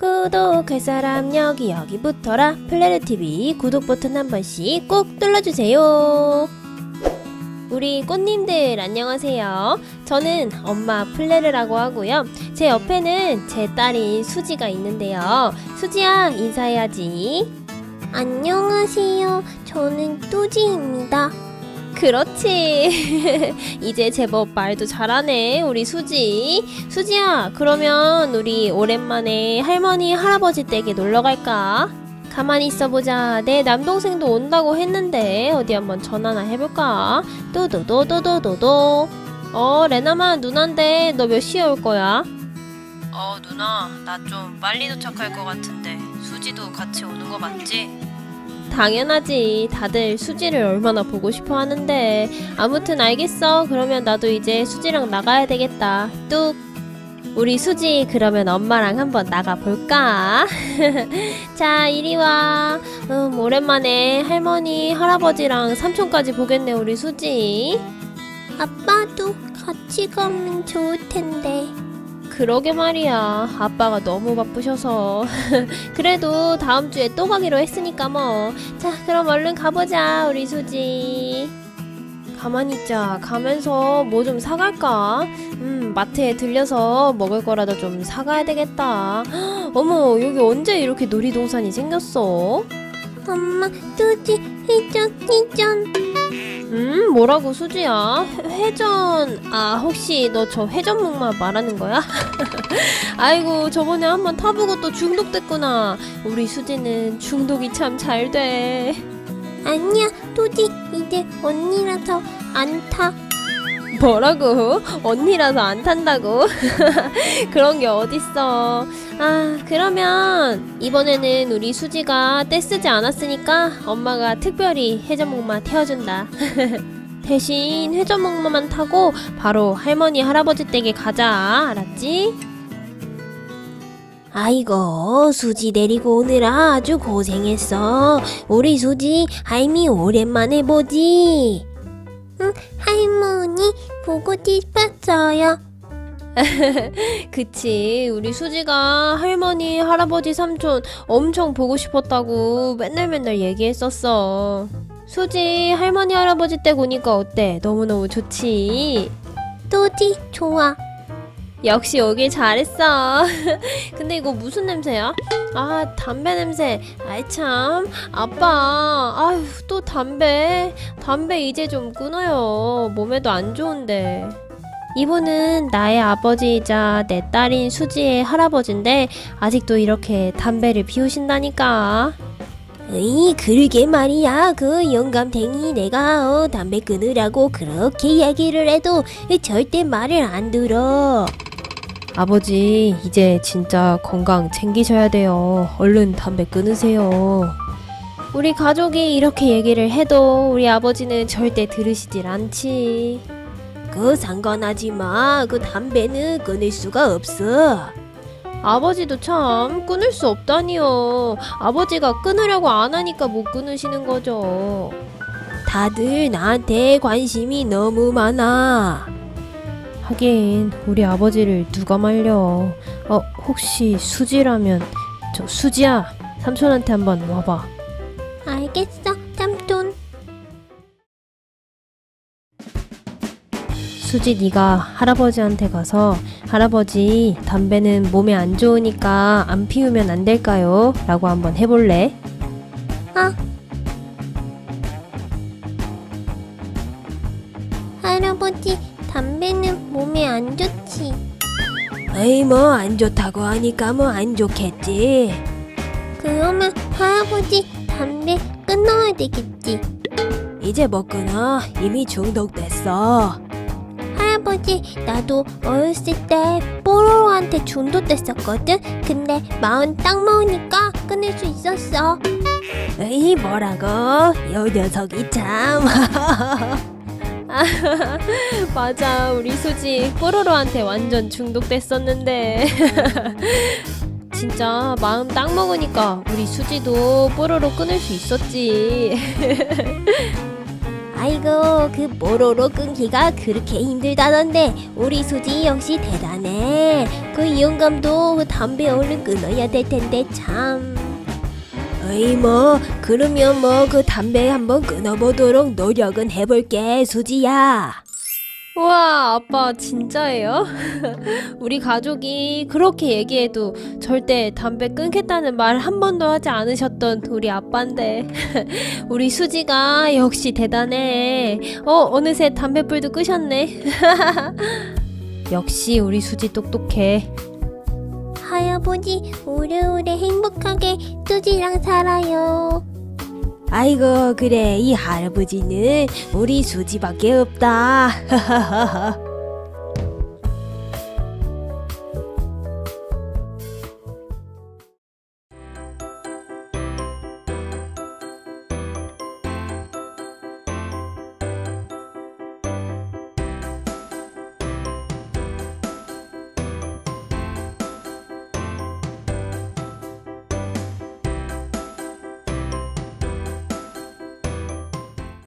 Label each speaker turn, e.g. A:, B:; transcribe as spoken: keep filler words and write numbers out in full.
A: 구독할 사람 여기 여기 붙어라. 플레르티비 구독 버튼 한 번씩 꼭 눌러주세요. 우리 꽃님들 안녕하세요. 저는 엄마 플레르라고 하고요. 제 옆에는 제 딸인 수지가 있는데요. 수지야, 인사해야지.
B: 안녕하세요. 저는 뚜지입니다.
A: 그렇지. 이제 제법 말도 잘하네, 우리 수지. 수지야, 그러면 우리 오랜만에 할머니 할아버지 댁에 놀러 갈까? 가만히 있어보자. 내 남동생도 온다고 했는데 어디 한번 전화나 해볼까? 또도도도도도도. 어, 레나마 누난데 너 몇 시에 올 거야? 어, 누나, 나 좀 빨리 도착할 것 같은데 수지도 같이 오는 거 맞지? 당연하지. 다들 수지를 얼마나 보고 싶어 하는데. 아무튼 알겠어. 그러면 나도 이제 수지랑 나가야 되겠다. 뚝. 우리 수지 그러면 엄마랑 한번 나가볼까? 자, 이리와. 음, 오랜만에 할머니 할아버지랑 삼촌까지 보겠네, 우리 수지.
B: 아빠도 같이 가면 좋을 텐데.
A: 그러게 말이야. 아빠가 너무 바쁘셔서. 그래도 다음 주에 또 가기로 했으니까 뭐. 자, 그럼 얼른 가보자, 우리 수지. 가만히 있자. 가면서 뭐 좀 사갈까? 음, 마트에 들려서 먹을 거라도 좀 사가야 되겠다. 어머, 여기 언제 이렇게 놀이동산이 생겼어?
B: 엄마, 뚜지, 회전, 회전.
A: 음, 뭐라고, 수지야? 회- 회전. 아, 혹시 너 저 회전목마 말하는 거야? 아이고, 저번에 한번 타보고 또 중독됐구나. 우리 수지는 중독이 참 잘 돼.
B: 아니야, 뚜지, 이제 언니라서 안 타.
A: 뭐라고? 언니라서 안 탄다고? 그런 게 어딨어. 아, 그러면 이번에는 우리 수지가 떼쓰지 않았으니까 엄마가 특별히 회전목마 태워준다. 대신 회전목마만 타고 바로 할머니 할아버지 댁에 가자. 알았지?
B: 아이고, 수지 데리고 오느라 아주 고생했어. 우리 수지, 할미 오랜만에 보지. 응, 할머니 보고 싶었어요.
A: 그치, 우리 수지가 할머니 할아버지 삼촌 엄청 보고 싶었다고 맨날 맨날 얘기했었어. 수지 할머니 할아버지 댁 오니까 어때? 너무너무 좋지?
B: 뚜지, 좋아.
A: 역시 오길 잘했어. 근데 이거 무슨 냄새야? 아, 담배 냄새. 아이 참, 아빠. 아휴, 또 담배. 담배 이제 좀 끊어요. 몸에도 안 좋은데. 이분은 나의 아버지이자 내 딸인 수지의 할아버지인데 아직도 이렇게 담배를 피우신다니까.
B: 으이, 그러게 말이야. 그 영감탱이 내가 어, 담배 끊으라고 그렇게 얘기를 해도 절대 말을 안 들어.
A: 아버지, 이제 진짜 건강 챙기셔야 돼요. 얼른 담배 끊으세요. 우리 가족이 이렇게 얘기를 해도 우리 아버지는 절대 들으시질 않지.
B: 그 상관하지 마. 그 담배는 끊을 수가 없어.
A: 아버지도 참 끊을 수 없다니요. 아버지가 끊으려고 안 하니까 못 끊으시는 거죠.
B: 다들 나한테 관심이 너무 많아.
A: 하긴 우리 아버지를 누가 말려. 어, 혹시 수지라면 저 수지야, 삼촌한테 한번 와봐.
B: 알겠어, 삼촌.
A: 수지, 네가 할아버지한테 가서 할아버지, 담배는 몸에 안 좋으니까 안 피우면 안 될까요? 라고 한번 해볼래?
B: 아, 할아버지, 담배는 몸에 안 좋지.
A: 에이, 뭐 안 좋다고 하니까 뭐 안 좋겠지.
B: 그러면 할아버지, 담배 끊어야 되겠지.
A: 이제 못 끊어. 이미 중독됐어.
B: 할아버지, 나도 어렸을 때 뽀로로한테 중독됐었거든. 근데 마흔 딱 먹으니까 끊을 수 있었어.
A: 에이, 뭐라고? 요 녀석이 참. 맞아, 우리 수지 뽀로로한테 완전 중독됐었는데. 진짜 마음 딱 먹으니까 우리 수지도 뽀로로 끊을 수 있었지.
B: 아이고 그 뽀로로 끊기가 그렇게 힘들다던데 우리 수지 역시 대단해. 그 영감도 그 담배 얼른 끊어야 될 텐데 참. 어이 뭐 그러면 뭐 그 담배 한번 끊어보도록 노력은 해볼게 수지야.
A: 우와, 아빠 진짜예요? 우리 가족이 그렇게 얘기해도 절대 담배 끊겠다는 말 한 번도 하지 않으셨던 우리 아빠인데 우리 수지가 역시 대단해. 어, 어느새 담뱃불도 끄셨네. 역시 우리 수지 똑똑해.
B: 할아버지 오래오래 행복하게 수지랑 살아요.
A: 아이고 그래 이 할아버지는 우리 수지밖에 없다.